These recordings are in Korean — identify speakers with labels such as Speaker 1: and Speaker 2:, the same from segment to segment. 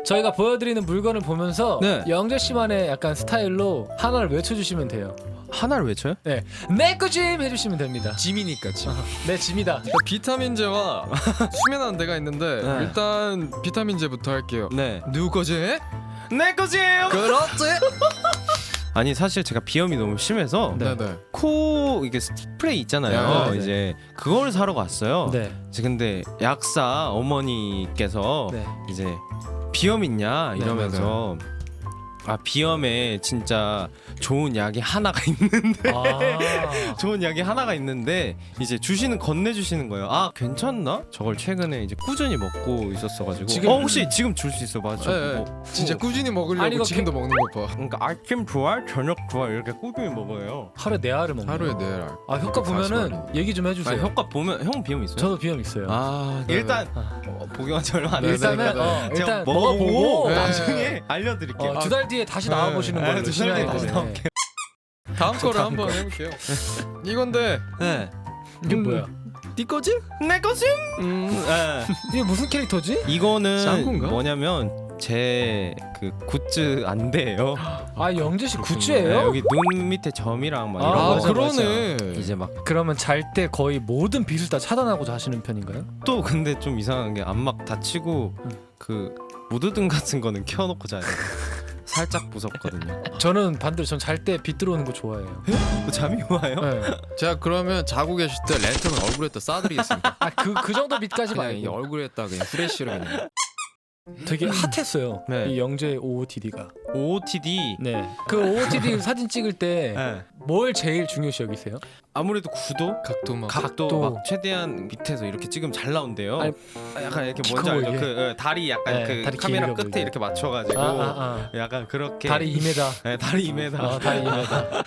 Speaker 1: 저희가 보여드리는 물건을 보면서
Speaker 2: 네.
Speaker 1: 영재 씨만의 약간 스타일로 하나를 외쳐주시면 돼요.
Speaker 2: 하나를 외쳐요?
Speaker 1: 네, 내꺼 짐 해주시면 됩니다.
Speaker 3: 짐이니까 짐.
Speaker 1: 내 짐이다.
Speaker 3: 비타민제와 수면하는 데가 있는데
Speaker 2: 네.
Speaker 3: 일단 비타민제부터 할게요.
Speaker 2: 네.
Speaker 3: 누거제?
Speaker 2: 내 거지예요.
Speaker 3: 그렇지.
Speaker 2: 아니 사실 제가 비염이 너무 심해서
Speaker 3: 네네.
Speaker 2: 코 이게 스프레이 있잖아요.
Speaker 1: 네, 네.
Speaker 2: 이제 그걸 사러 갔어요.
Speaker 1: 네.
Speaker 2: 이제 근데 약사 어머니께서
Speaker 1: 네.
Speaker 2: 이제 비염 있냐
Speaker 1: 네,
Speaker 2: 이러면서 아 비염에 진짜 좋은 약이 하나가 있는데
Speaker 1: 아.
Speaker 2: 좋은 약이 하나가 있는데 이제 주시는 건네주시는 거예요. 아 괜찮나? 저걸 최근에 이제 꾸준히 먹고 있었어가지고
Speaker 1: 지금-
Speaker 2: 혹시 지금 줄 수 있어? 맞아.
Speaker 3: 네, 진짜 꾸준히 먹으려고
Speaker 1: 아니, 이거
Speaker 3: 지금도 먹는 거 봐.
Speaker 2: 그러니까 아침 좋아, 저녁 좋아 이렇게 꾸준히 먹어요.
Speaker 1: 하루에 4알을 먹는
Speaker 3: 하루에
Speaker 1: 거.
Speaker 3: 4알.
Speaker 1: 아 효과 보면은
Speaker 3: 40알이.
Speaker 1: 얘기 좀 해주세요.
Speaker 2: 아 효과 보면 형 비염 있어요?
Speaker 1: 저도 비염 있어요.
Speaker 2: 아
Speaker 3: 네네.
Speaker 2: 일단 복용한 지 얼마 안
Speaker 3: 네네.
Speaker 2: 됐어요.
Speaker 1: 일단은
Speaker 3: 네.
Speaker 2: 제가
Speaker 1: 일단
Speaker 2: 먹어보고
Speaker 1: 먹어보고
Speaker 3: 네.
Speaker 2: 나중에 알려드릴게요.
Speaker 1: 2달 뒤에 다시
Speaker 3: 네.
Speaker 1: 나와보시는
Speaker 2: 네,
Speaker 1: 걸로
Speaker 2: 2달 뒤에 다시
Speaker 1: 네.
Speaker 2: 나올게요.
Speaker 3: 다음 거를 한번 해볼게요. 이건데
Speaker 2: 네.
Speaker 1: 이게 뭐야?
Speaker 3: 네 거지?
Speaker 2: 내 것임? 네.
Speaker 1: 이게 무슨 캐릭터지?
Speaker 2: 이거는
Speaker 3: 짱구인가?
Speaker 2: 뭐냐면 제 그 굿즈 안대예요.
Speaker 1: 아 영재 씨
Speaker 2: 네,
Speaker 1: 굿즈예요?
Speaker 2: 여기 눈 밑에 점이랑 막
Speaker 1: 아,
Speaker 2: 이런
Speaker 3: 아,
Speaker 2: 거.
Speaker 1: 맞아,
Speaker 3: 그러네.
Speaker 2: 이제 막
Speaker 1: 그러면 잘 때 거의 모든 빛을 다 차단하고 자시는 편인가요?
Speaker 2: 또 근데 좀 이상한 게 안막 닫히고 그 무드등 같은 거는 켜놓고 자요. 살짝 무섭거든요.
Speaker 1: 저는 반대로 전 잘 때 빛 들어오는 거 좋아해요.
Speaker 2: 잠이 와요?
Speaker 1: 네.
Speaker 3: 제가 그러면 자고 계실 때 랜턴을 얼굴에다 쏴드리겠습니다.
Speaker 1: 아그 정도 빛까지
Speaker 3: 그냥 이
Speaker 1: 말고
Speaker 3: 얼굴에다 그냥 후레쉬로 그냥.
Speaker 1: 되게 핫했어요.
Speaker 2: 네.
Speaker 1: 이 영재 OOTD가.
Speaker 2: OOTD.
Speaker 1: 네. 그 OOTD 사진 찍을 때
Speaker 2: 네.
Speaker 1: 뭘 제일 중요시 여기세요?
Speaker 2: 아무래도 구도,
Speaker 3: 각도 막.
Speaker 2: 각도 막 최대한 밑에서 이렇게 찍으면 잘 나온대요.
Speaker 1: 아니,
Speaker 2: 약간 이렇게
Speaker 1: 키
Speaker 2: 뭔지
Speaker 1: 커
Speaker 2: 알죠?
Speaker 1: 보이게.
Speaker 2: 그 다리 약간
Speaker 1: 네,
Speaker 2: 그
Speaker 1: 다리
Speaker 2: 카메라
Speaker 1: 길게
Speaker 2: 끝에
Speaker 1: 보이게.
Speaker 2: 이렇게 맞춰가지고 약간 그렇게
Speaker 1: 다리 2m.
Speaker 2: 네, 다리 2m.
Speaker 1: 다리 2m.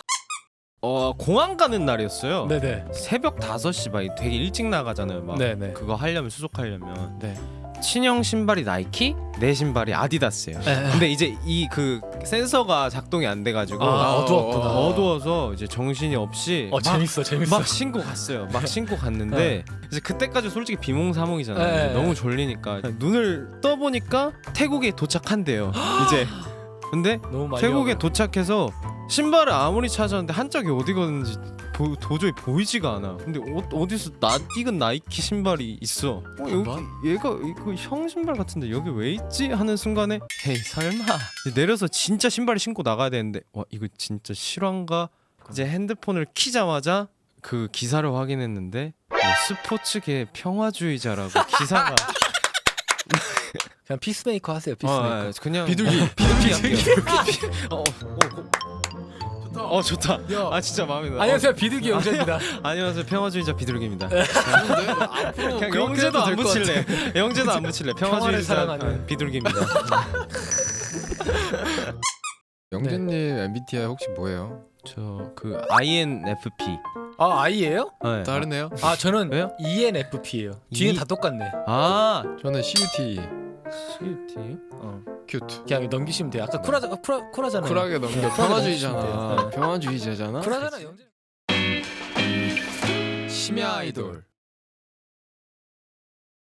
Speaker 2: 공항 가는 날이었어요.
Speaker 1: 네네.
Speaker 2: 새벽 5시 막 되게 일찍 나가잖아요. 막
Speaker 1: 네네.
Speaker 2: 그거 하려면 수속하려면
Speaker 1: 네.
Speaker 2: 친형 신발이 나이키, 내 신발이 아디다스예요.
Speaker 1: 네.
Speaker 2: 근데 이제 이 그 센서가 작동이 안 돼가지고
Speaker 1: 아, 어두웠구나.
Speaker 2: 어두워서 이제 정신이 없이
Speaker 1: 재밌어.
Speaker 2: 막 신고 갔어요. 막 신고 갔는데 이제 그때까지 솔직히 비몽사몽이잖아요.
Speaker 1: 네.
Speaker 2: 이제 너무 졸리니까 눈을 떠 보니까 태국에 도착한대요. 이제 근데
Speaker 1: 너무 많이
Speaker 2: 태국에
Speaker 1: 와요.
Speaker 2: 도착해서 신발을 아무리 찾았는데 한짝이 어디 갔는지 도저히 보이지가 않아. 근데 어디서 낯익은 나이키 신발이 있어. 여기 얘가 이거 형 신발 같은데 여기 왜 있지? 하는 순간에 헤이 설마 내려서 진짜 신발을 신고 나가야 되는데 와 이거 진짜 실화인가? 이제 핸드폰을 키자마자 그 기사를 확인했는데 뭐 스포츠계 평화주의자라고 기사가
Speaker 1: 그냥 피스메이커 하세요. 피스메이커.
Speaker 2: 그냥
Speaker 3: 비둘기.
Speaker 2: 좋다.
Speaker 3: 야.
Speaker 2: 아 진짜 마음에 들어.
Speaker 1: 안녕하세요. 비둘기 영재입니다.
Speaker 2: 안녕하세요 평화주의자 비둘기입니다.
Speaker 3: 좋은데? 앞으로
Speaker 2: 그냥
Speaker 3: 그렇게
Speaker 2: 영재도
Speaker 3: 해도
Speaker 2: 안
Speaker 3: 될것
Speaker 2: 붙일래. 영재도 안 붙일래.
Speaker 1: 평화를
Speaker 2: 평화주의자
Speaker 1: 사랑하는.
Speaker 2: 비둘기입니다.
Speaker 3: 영재님 MBTI 혹시 뭐예요?
Speaker 2: 저 그 INFP.
Speaker 1: 아 I예요?
Speaker 2: 네.
Speaker 3: 다르네요.
Speaker 1: 아 저는
Speaker 2: 왜요?
Speaker 1: ENFP예요. 뒤는 다 똑같네.
Speaker 2: 아
Speaker 3: 저는 CUT.
Speaker 2: CUT요?
Speaker 3: 큐트.
Speaker 1: 그냥 넘기시면 돼요. 아까 쿨하잖아요.
Speaker 3: 쿨하게 넘겨.
Speaker 1: 네,
Speaker 3: 평화주의잖아.
Speaker 1: 쿨하게
Speaker 3: 평화주의자잖아.
Speaker 1: 쿨하잖아 영재.
Speaker 3: 심야 아이돌.